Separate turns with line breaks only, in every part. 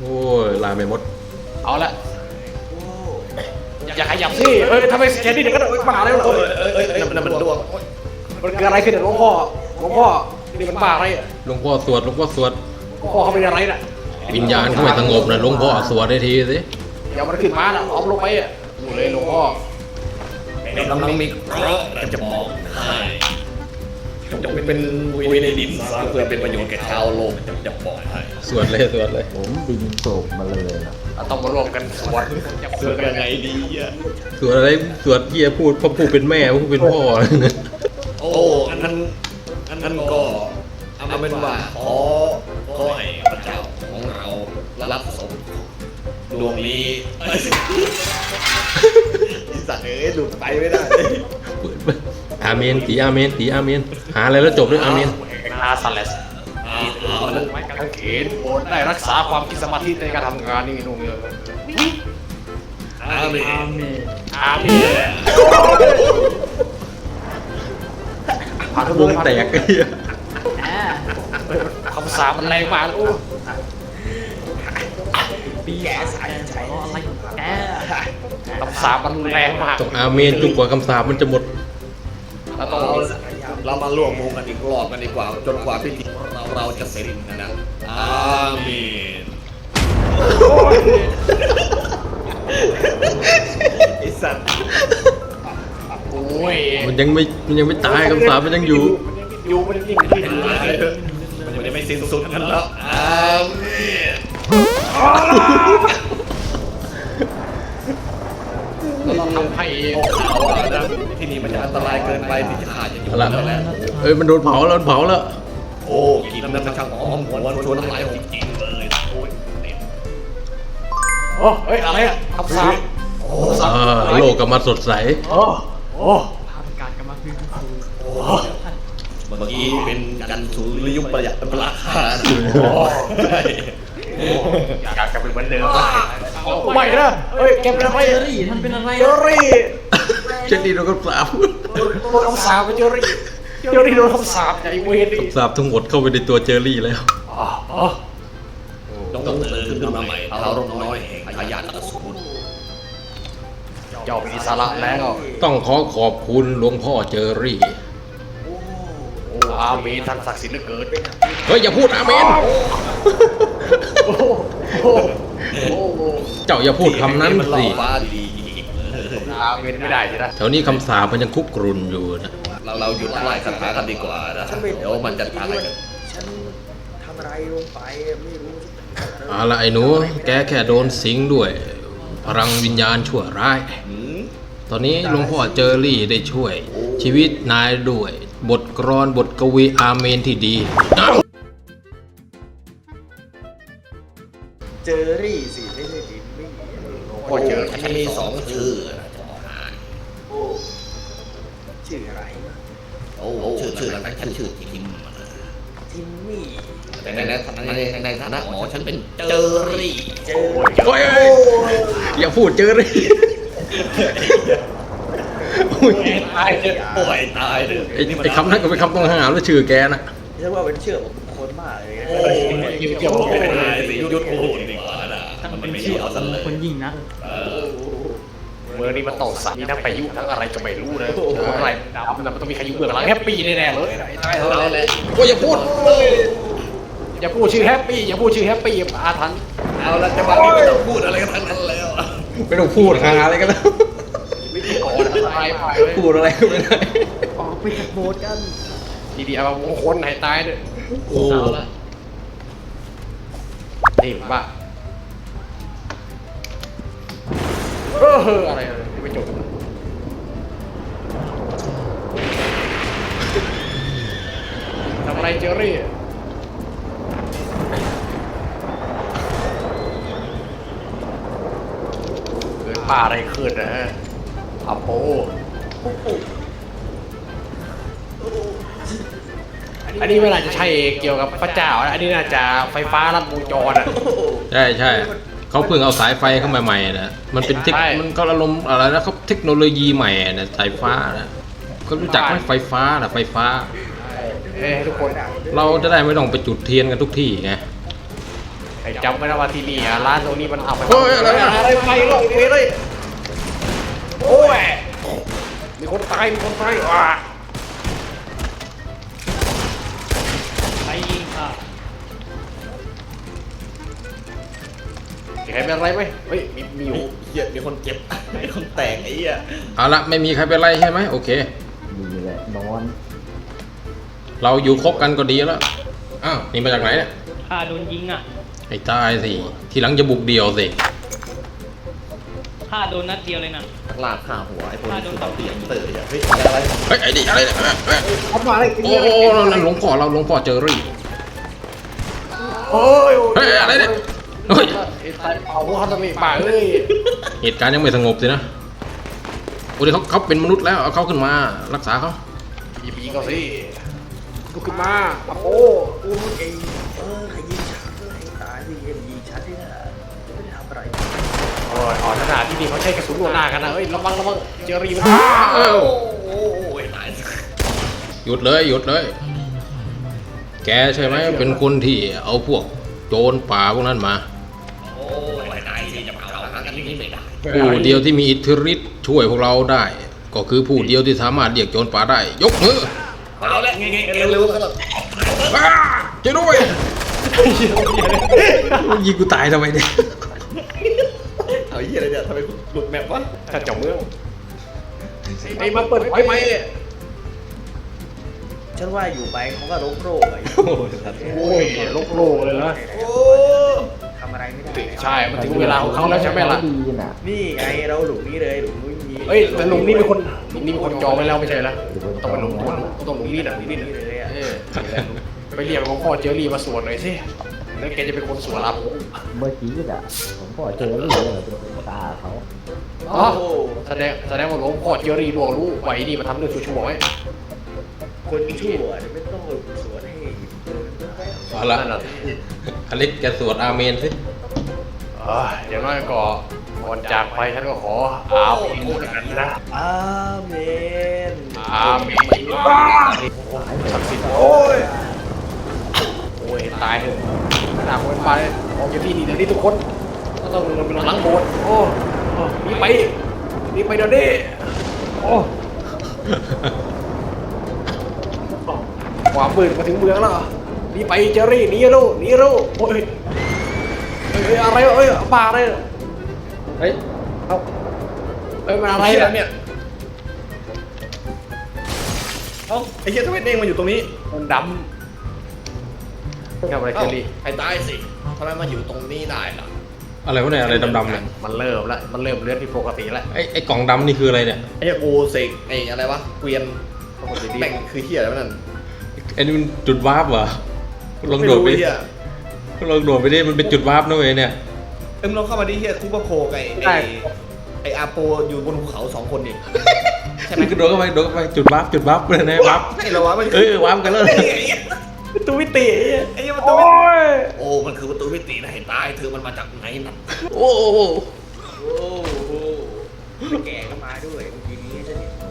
โอ้ยลายไม่หมด
เอาละอย่าขยับสิทำไมแค่นี้เดี๋ยวก็บ้าแล้วเหรอ
นั่นมันดวง
มันเกิดอะไรขึ้นหลวงพ่อนี่มันบ้าอะไร
หลวงพ่อสวดหลวงพ่อสวด
หลวงพ่อเขาเป็นอะไรน่ะ
วิญญาณเขาไม่สงบนะหลวงพ่อสวดได้ทีสิ
อย่ามันขึ้นมานะเอาลงไปอ่ะดูเลยหลวงพ่
อกำลังมีเคราะห์จะบอกให้จงเป็นวุยในดินซะเพื่อเป็นประโยชน์แก่ชาวโลกจะบอกให้
สวดเลย
ผมดินโศกมาเลยนะ
ต้องมารวมกันสวด
ยังไงดีอ่ะ
สวดอะไรสวดเยี่ยพูดพ่อพูดเป็นแม่พูดเป็นพ่อ
โอ้อันนั้นก็เอาเป็นว่าขอให้พระเจ้าของเรารับสมดวงนี้สัตว์หลุดไปไม่ได้
อาเมนตีอาเมนตีอาเมนหาอะไรแล้วจบด้วยอาเมน
นาซาเลสไม้กางเขนโปรดได้รักษาความคิดสมาธิในการทำงานนี่นุ่งเลย
อาเมน
ผ่านวงแตก
คำสาปมันแรงมากเลย
ปีแกสายใจอะไรแก
คำสาปมันแรงมาก
ต้องอาเมนจนกว่าคำสาปมันจะหมด
เรามาร่วมมือกันอีกรอบกันดีกว่าจนกว่าพิธีเราจะเสร็จนะอาเมนไอสัตว์
โอ้ย
มันยังไม่ตายคำสาปมันยังอยู่
มันยัง
มันไม่สิ้นสุดกันแล้วอาเมน
เราทำให้
ที่นี่มันจะอันตรายเกินไปที่จะขาดอย่างอยู่
แล้วมันโดนเผาแล้ว
โอ้กินน้ำมันช่างหอมหวนชวนน้ำลายผมจริงเลย
โอ้เฮ้ยอะไรอะคำสาป
โลกกลับมาสดใส
ภาพการกำลังฟื้นฟู
เมื่อกี้เป็นกันสุริยุปประหยัดเป็นราคา
อยากกลับไปเหมือนเดิมไม่นะแกเป็นอะไร
ท่านเป็นอะไร
เจอรี่
โดนคำสาป
โดนคำสาปเจอรี่โดนคำสาปไอ้เวร
คำสาปทั้งหมดเข้าไปในตัวเจอรี่แล้ว
ต้องตื่นขึ้นมาใหม่เราลงน้อยแห่งพยานอสูร
เจ้ามีสาระแล้ว
ต้องขอบคุณหลวงพ่อเจอรี่
อาเมนท่านศักดิ์สิทธิ์เหลือเกิน
เฮ้ยอย่าพูดอาเมนเจ้าอย่าพูดคำนั้นสิ
อาเมนไม่ได้ใช่ไหม
แถวนี้คำสาปมันยังคุกกรุ่นอยู่นะ
เราหยุดไล่คาถากันดีกว่านะเดี๋ยวมันจะตายกัน
ฉันทำอะไรลงไปไม่รู้
อะไรไอ้หนูแกแค่โดนสิงด้วยพลังวิญญาณชั่วร้ายตอนนี้หลวงพ่อเจอรี่ได้ช่วยชีวิตนายด้วยบทกลอนบทกวีอาเมนที่ดี
เจอรี่สิไม่ใช่ดินไม่
ก็เจอฉันมีสองชื่อ
ชื่ออะไร
ชื่ออะไรฉันชื่อทิม
มี่
แต่ในฐานะหมอฉันเป็นเจอรี่
โอ้ยอย่าพูดเจอรี่
ตายเลย
ไอ้คำนั้นก็เป็นคำต้องห้ามแล้วชื่อแกนะ
เรียกว่าเป็นชื่อของคนมากเลย
เกี่ยวกับยุทธภูมิดีกว่านะ
มันเป็นชื่อของคนยิงนะ
เมื่อนี้มันตกสัตว์มีทั้งพายุทั้งอะไรก็ไม่รู้เลยอะไรดำมันต้องมีใครอยู่เบื้องหลังแฮปปี้แน่ๆเลย
โอ้ยอย่าพูด
ชื่อแฮปปี้อย่าพูดชื่อแฮปปี้อาถรรพ์
เอาละจังหวะนี้ไม่ต้องพูดอะไรกันทั้งนั้นแล้ว
ไม่ต้องพูดหาอะไรกันแล้วพูดอะไรก็ไม่ได้
ออกไปจากโบสถ์กัน
ดีๆเอาคนให้ตายด้วย
โอ้
นี่บ้าอะไรไม่จบทำอะไรเจอรี่เกิดบ้าอะไรขึ้นนะฮะอัปโปอันนี้เวลาจะใช้เกี่ยวกับพระเจ้าอันนี้น่าจะไฟฟ้าลัดวงจรอ่ะ
ใช่เขาเพิ่งเอาสายไฟเข้ามาใหม่นะมันเป็นมันก็อารมณ์อะไรนะเขาเทคโนโลยีใหม่นะสายฟ้านะก็รู้จักไหมไฟฟ้านะไฟฟ้า
ทุกคน
เราจะได้ไม่ต้องไปจุดเทียนกันทุกที่ไง
ไอ้จำไว้นะว่าที่นี่อะร้านตรงนี้มันเอาไป
เฮ้ยอะไรอะ
อะไรไปหรอกเว้ยเลยโอ้ยมีคนตายว้า
ใครยิงค่ะ
ใครเป็นอะไรไหมเฮ้ยมีอยู่
เหี้ยมีคนเจ็บมีคนแตกไอ้เหี้ย
เอาละไม่มีใครเป็นไรใช่ไหมโอเค
ดีแหละนอน
เราอยู่คบกันก็ดีแล้วอ้าวนี่มาจากไหนเนี่ย
ข้าโดนยิงอ่ะ
ไอ้ตายสิทีหลังจะบุกเดี่ยวสิ
ข้าโดนนัดเดียวเลยนะ
นักล่าฆ่าหัวไอ้พวกนี้
โด
คื
น
อ
ต่อ
เตียงเต๋อเฮ้ยอะไร
เฮ้ยไอ้นี่อะไรเนี่ย
ทำอะไร
โอ้โหนั่นหลวงพ่อเราหลวงพ่อเจอรี่
โอ้ย
เฮ้ยอะไรเนี่ยเฮ้ย
ไอ้ตายเผาเขาทำไมป่าเอ้ย
เหตุการณ์ยังไม่สงบสินะโอ้ยเขาเป็นมนุษย์แล้วเอาเขาขึ้นมารักษาเขา
หยิบยิงเขาสิลุกขึ้นมามาโอ้
อู้เองใครยิงฉันก็ให้ตายสิเอ็มยิงฉันที่น่ะจะไม่ได้ทำอะไร
โอ้ยอ๋อขนาดที่นี่เขาใช้กระสุนหัวหน้ากันนะเฮ้ยระวังเจอรีมัน
เอ้า
โอ้ยตาย
หยุดเลยหยุดเลย แกใช่ไหมเป็นคนที่เอาพวกโจรป่าพวกนั้นมา
โอ้ยตายสิจะมาเอาหากันที่นี่ไม่ได้
ผู้เดียวที่มีอิทธิฤทธิ์ช่วยพวกเราได้ ก็คือผู้เดียวที่สามารถเรียกโจรป่าได้ ยกมือ
เอาละไงเร็วๆกันหรอ
อ้าช่วยด้วยยิงกูตายทำไมเนี่ย
เอาเหี้ยอะไรเนี่ยทำไมหลุดแมปวะ
ถ้าเจ้าเมืองไอ้มาเปิดไฟไหม
ฉันว่าอยู่ไปเขาก็โรคไป
โอ้ยโลกเลยนะ
โอ้
ทำอะไรไม่ได้
ใช่มันถึงเวลาของเขาแล้วใช่ไหมล่ะ
ดีน่ะ
นี่ไงเราหลุมนี้เลยหลุมนี้มี
เฮ้ยแต่ลุงนี่เป็นคนจองไปแล้วไม่ใช่เหรอต้องไปลุงต้องลุงนี่นะนี่
นี่
นะ
เลยอ่ะ
ไปเรียกหลวงพ่อเจอรี่มาสวดหน่อยสิแล้วแกจะเป็นคนสวดรับผม
เมื่อกี้น่ะผมก็เจอเรื่องเลยเป็นตาเขา
อ๋อแสดงว่าหลวงพ่อเจอรี่ล่วงรู้ไว้นี่มาทำเรื่องชั่วๆไว้
คนชั่วไม่ต้องสวนให้
เอาละอเล็กแกสวดอาเมนสิ
อย่างน้อยก็ก่อนจากไปฉันก็ขออาบอินกันนะ
อาเมน
อาเมนศักดิ์สิทธิ์โอ้ยตายเถอะขนาดคนไปออกจากที่นี่เดี๋ยวนี้ทุกคนก็ต้องลงไปหลังโบสถ์โอ้นี่ไปเดี๋ยวนี้โอ้ความมืดมาถึงเมืองแล้วนี่ไปเจอรี่นี่ลูโอ้ยอะไรบ้าอะไรเฮ้ยมันอะไรเนี่ย
ไอ้เหี้ยทำไมเด้งมาอยู่ตรงนี้
มันดำทำอะไรเจอรี่
ไอ้ตายสิทำไมมาอยู่ตรงนี้ได้ล่ะ
อะไรวะเนี่ยอะไรดำๆเนี่ย
มันเริ่มเลือดที่ปกติแล้ว
ไอ้กล่องดำนี่คืออะไรเนี่ย
ไอ้เหี้ยกูเสกไอ้อะไรวะเกวียนแบ่งคือเหี้ยอะไรวะนั่น
ไอ้นี่มันจุดวาร์ปเหรอลอง
ไม่
โดด
รู้
ไป
ไอ้เหี้ย
ลองโดดไปดิมันเป็นจุดวาร์ปนะเว้ยเนี่ย
มึงลองเข้ามาดิเหี้ยคูเปอร์โพกับไอ้อาโปอยู่บนภูเขา2 คนนี่ใช่ไหม
คือโดดเข้าไปจุดวาร์ปเลยนะวาร์ป
ไอ้เหรอวะมัน
วาร์ปกันแล้ว
ประตูมิติ
ไอ้เหี้ยประตูมิติโอ้มันคือประตูมิตินะเห็นตายเธอมันมาจากไหนนั่น
โอ้โห
โอ้โหแก่ก็มาด้วยเมื่อกี้นี้ฉันเห็น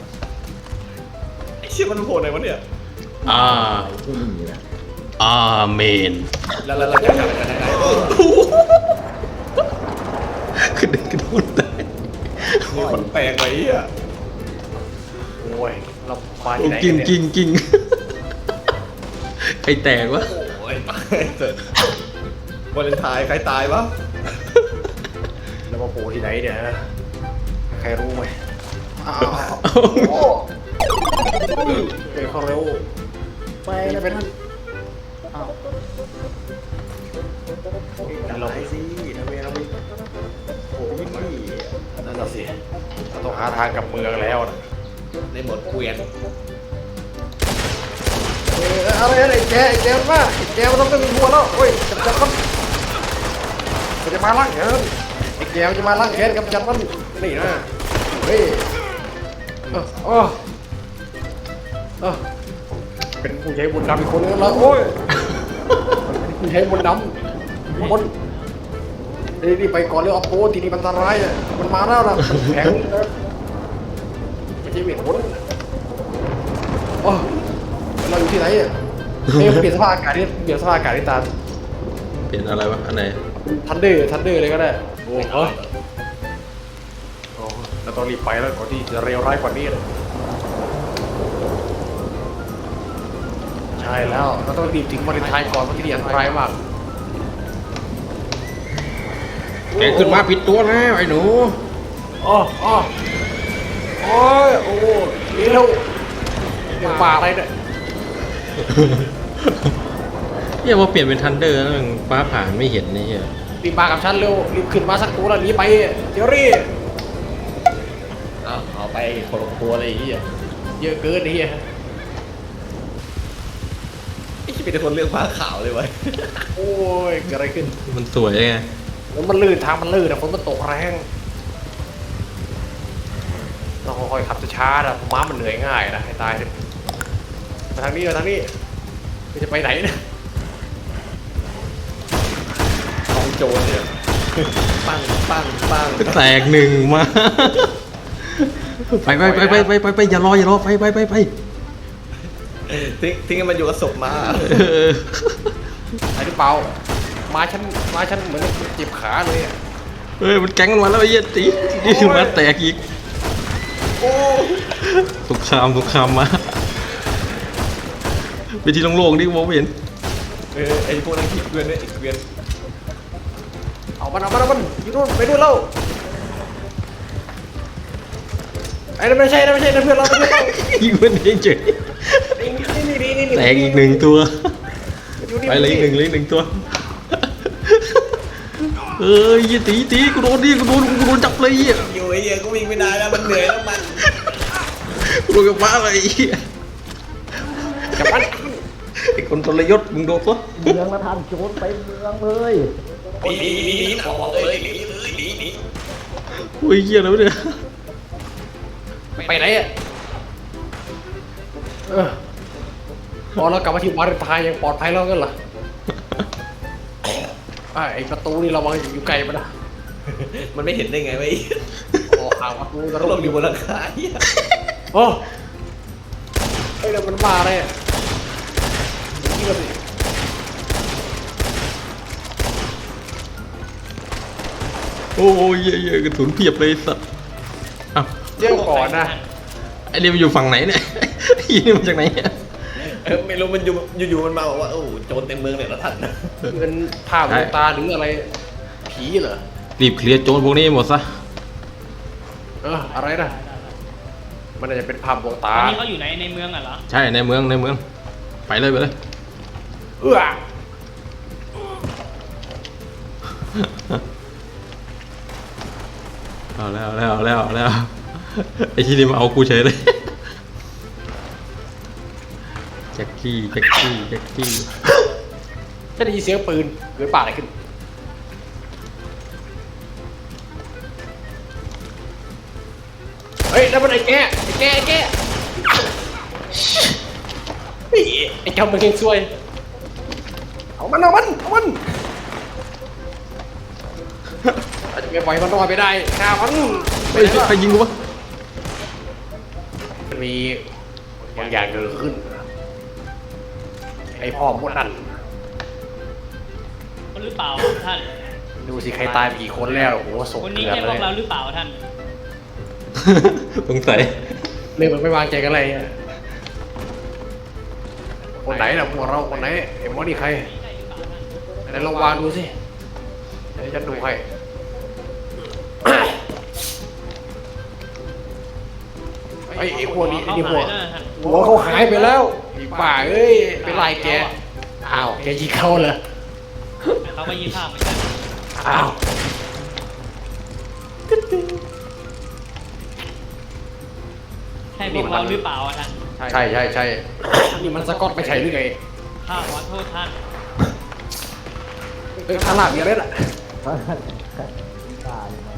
ไอ้เชี่ยมันโผล่ไหนวะเนี่ย
อ่า
ที่นี่น่ะ
อาเมน
แล้วเราจะทำอะไรได้
คือเด็กกระโดดได้
มีคนแปลงไว้อ่ะ
โอ้ยเรามาที่ไหน
กิน
เนี่ย
กินใครแตกวะ
โอ้ยตายเถอะวันเลนไทน์ใครตายวะ
เรามาโผล่ที่ไหนเนี่ยฮะใครรู้ไหมเป็นข้อเร็ว
ไปแล้วเป็นอ้าวเราไปสิทำไมเราไปโอ้ยนี่
นั่นน่ะสิเราต้องหาทางกลับเมืองแล้วนะ
ในหมดเกวียน
อะไรแกมาแกมันต้องเป็นหัวแล้วเฮ้ยจับมันจะมาล้างแขนไอ้แกจะมาล้างแขนกับจับมันนี่นะเฮ้ยเป็นผู้ใช้บุญดำอีกคนนึงแล้วโอ้ยผู้ใช้บุญดำคนนี่ไปก่อนเรื่องออฟโพสทีนี้มันอันตรายอ่ะมันมาแล้วนะแข็งไม่ใช่เวทมนต์เราอยู่ที่ไหนอ่ะเปลี่ยนสภาพอากาศนี่ตา
เปลี่ยนอะไรวะอันไหน
ทันเดอร์เลยก็ได้โอ้โหเราต้องรีบไปแล้วก่อนที่จะเลวร้ายกว่านี้เลยใช่แล้วเราต้องรีบถึงวาเลนไทน์ก่อนเพราะที่นี่อันตรายมาก
แกขึ้นมาผิดตัวแล้วไอ้หนู
อ๋อโอ้ยโอ้นี่เราเรื่องป่าอะไรเนี่ย
เฮียว่าเปลี่ยนเป็นทันเดอร์แล้วมันฟ้าผ่าไม่เห็นนี่เฮีย
รีบมากับฉันเร็วรีบขึ้นมาสักตัวแล้วหนีไปเจอรี่
เอาไปคนละตัวเลยไอ้เหี้ย
เยอะเกินไอ้เหี้ย
ไอ้ที่เป็นคนเรื่องผ้าขาวเลยเว้ย
โอ้ยเกิดอะไรขึ้น
มันสวยไง
แล้วมันลื่นทางมันลื่นอะฝนมันตกแรงต้องค่อยๆขับช้าๆนะม้ามันเหนื่อยง่ายนะให้ตายเลยมาทางนี้มาทางนี้มันจะไปไหนเนี่ย
ของโจรเนี่ยปังปังปัง
แตกหนึ่งมาไปอย่ารอไป
ทิ้งให้มันอยู่กับศพมา
ไอ้หรือเปล่ามาฉันเหมือนเจ็บขาเลยอะ
เฮ้ยมันแก๊งกันมาแล้วไอ้เหี้ยตีนี่คือมาแตกอีกสงครามมาไปที่โล่งๆดิมองไม่เห็น
ไอ้พวกนั้นขี้เกวียนเนี่ยไอ้เกวียน
เอามันอยู่นู่นไปนู่นแล้วไอ้นั่นไม่ใช่นั่นเพื่อนเรา
ยิงมันเองเฉย
นี่
แตกอีกหนึ่งตัว
อยู่นี่
ไปเลยอีกหนึ่งตัวเอ้ยยี่ตีกูโดนจับเลยอ่ะ
อยู่ไอ้เหี้ยก็วิ่งไม่ได้แล้วมันเหนื่อยแล้วมัน
กูโดนกับฟ้าเลยอ่ะ
จับมัน
ไอ้คนทรยศมึงโดนปะ
เมืองละทันโจรไปเมืองเลย
หนีหนาเลยหนี
โอ้ยเหี้ยแล้วะเนี่ย
ไปไหนอ่ะพอเรากลับมาที่วาเลนไทน์ยังปลอดภัยแล้วกันเหรอไอ้ประตูนี่เราวางอยู่ไกลมันนะ
มันไม่เห็นได้ไงวะไอ้
ออกห่างประตู
ก็
ก็
ล
ล
ง
ง
อ
อยู่ ยู่
บนหลังคาเหี้ย
โอ้ไอ้นั่นมันมาเลยนี่ก็สิ
โอ้ยเหี้ยกระสุนเพียบเลยสัตว์อ้าว
เดี๋ยวก่อนนะ
ไอ้นี่มันอยู่ฝั่งไหนเนี่ยไอ้นี่มาจากไหนเนี่ย
ไม่รู้มันอยู่มันมาบอกว่าโอ้โจรเต็มเมืองเลยแล้วท่าน
เป็นภาพลวงตาหรืออะไรผีเหรอ
รีบเคลียร์โจรพวกนี้หมดซะ
อะไรนะมันน่าจะเป็นภาพลวง
ตอ
ตาน
นี้เขาอยู่ในเมืองอ่ะเหรอ
ใช่ในเมืองไปเลย เอาแล้วไอ้ที่นี่มาเอากูเฉยเลยแจ็คกี้
ฉันได้ยินเสียงปืนเกิดป่าอะไรขึ้นเฮ้ยแล้วมันไอ้แกเฮ้ยไอ้เจ้ามันเก่งซวยเอามันอาจจะไม่ปล่อยมันรอดไปได้ฆ่ามัน
เฮ้ยใครยิงกูวะ
มันมีบางอย่างเกิดขึ้นไอ้พ่อมดนั่น
คนหรือเปล่าท่าน
ดูสิใครตายไปกี่คนแล้วโอ้โหศพ
คน
เก
นี้
ลือน
ใช่พ
เล
วย กเราหรือเปล่าท่าน
สงสัย
เรื่องมันไม่วางใจกันเลยอะคนไหนล่ะพวกเราคนไหนไอ้หมอนี่ใครไหนลองวางดูสิเดี๋ยวฉันดูให้ไอ้พวกนี้ไอ้นี่พวกหัวเขาหายไปแล้วไอ้ป่าเอ้ยไปไล่แกอ้าวแกยิงเขาเหรอ
เขาก็ยิ้มภาพเหมือนกัน
อ้าว
ใช่พวกเราหรือเปล่าอะท่าน
ใช่นี่มันสกอตไม่ใช่หรือไง
ข้าขอโทษท่าน
ข้างล่างมีอะไรล่ะ
ตายมา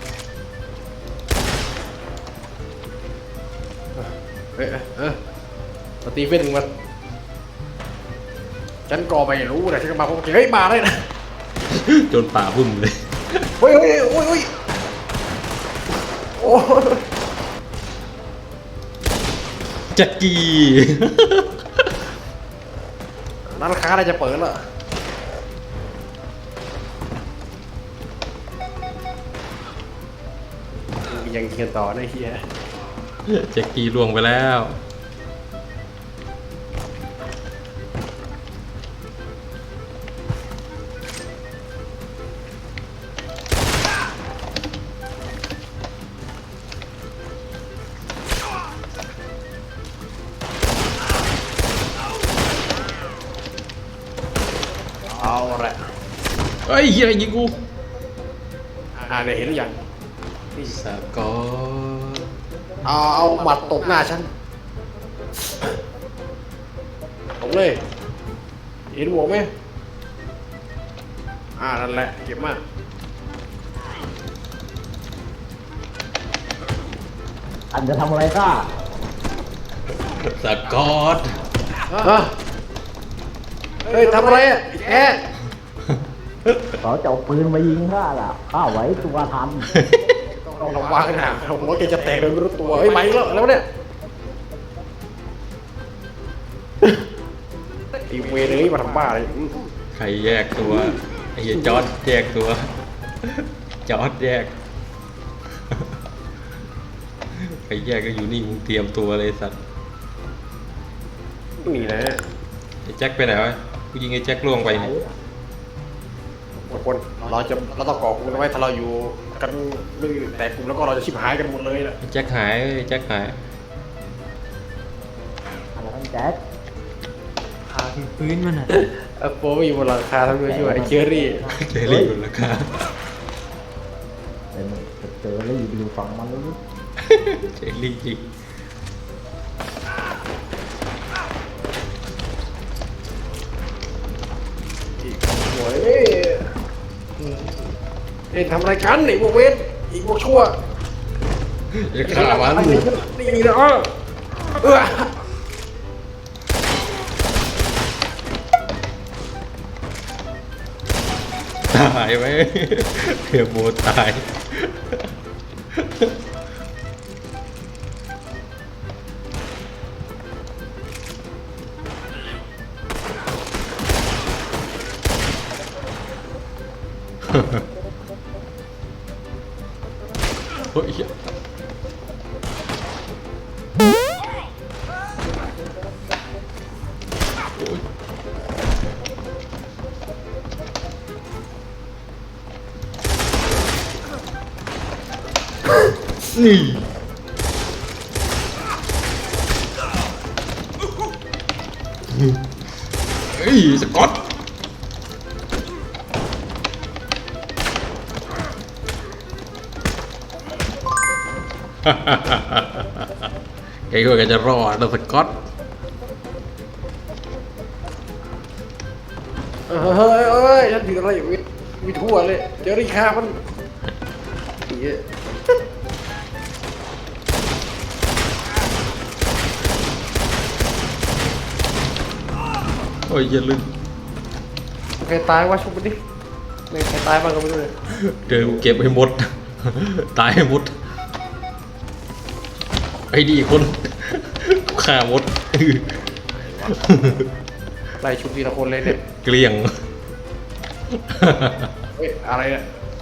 สตีเฟนมันฉันก็ไม่รู้นะฉันก็มาพบเฮ้ยมาเลยนะ
โจรป่าบุ่มเลย
เฮ้ยโอ้ยโอ้
แจ็คกี้
ร้านค้าอะไรจะเปิดล่ะยังเคียนต่อนะเฮีย
แจ็คกี้ล่วงไปแล้ว
เอาละ
เฮ้ยเฮียยิงกู
เนี่ยเห็นหรือยัง
สกอต
เอาหมัดตบหน้าฉันตบเลย เห็นหัวไหมนั่นแหละเก็บมาก
อันจะทำอะไรข้า
สกอต
เฮ้ยทำอะไรอ่ะแก
เขาจะเอาปืนมายิงข้าล่ะข้าไหวตัวทัน
ต้องระวังนะผมว่าแกจะแตกโดยไม่รู้ตัวเฮ้ยไปแล้วเนี่ยอีเวรเลยมาทำบ้าอะไร
ใครแยกตัวไอ้เหี้ยจอร์ดแยกตัวจอร์ดแยกใครแยกก็อยู่นี่มึงเตรียมตัวเลยสัตว์
นี่นะ
ไอ้แจ็คไปไหนวะกูยิงไอ้แจ็คล่วงไปเนี่ย
คนเราต้องก่อกลุ่มไว้ถ้าเราอยู่กันไม่แตกกลุ่มแล้วก็เราจะชิบหายกันหมดเลยนะ
ไอ้แจ็คหายไอ้แจ็คหาย
อะไรนั่นแจ็ค
ขาถึงพื้นมันอ่ะ
โปไม่อยู่บนหลังคาทำด้วยช่วยไอ้เชอรี่
เจอรี่บนราคา
เป็นเจอแล้วอยู่ฝั่งมันเลย
เจอรี่จริง
โอ้ยทำอะไรกันไอ้พวกเวทอีกพวกชั่ว
จะฆ่ามัน
นี่นะ
ตายไหมเทียโบตายเฮ้ย นี่เฮ้ยสกอตแกก็จะรอดนะสกอต
เฮ้ยฉันถืออะไรอยู่มีทั่วเลยเจอรี่คามันเหี้ย
โอ้ยอย่าลืม
ใครตายวะชุบมันดิไม่ใครตายบ้างก็ไม่รู้เลย
เดี๋ยวเก็บให้หมด ตายให้หมดไอ้ดีคนฆ่าหมด
ไล่ชุบทีละคนเลยเนี่ย
เกลี้ยง
เฮ้ยอะไรเนี่ย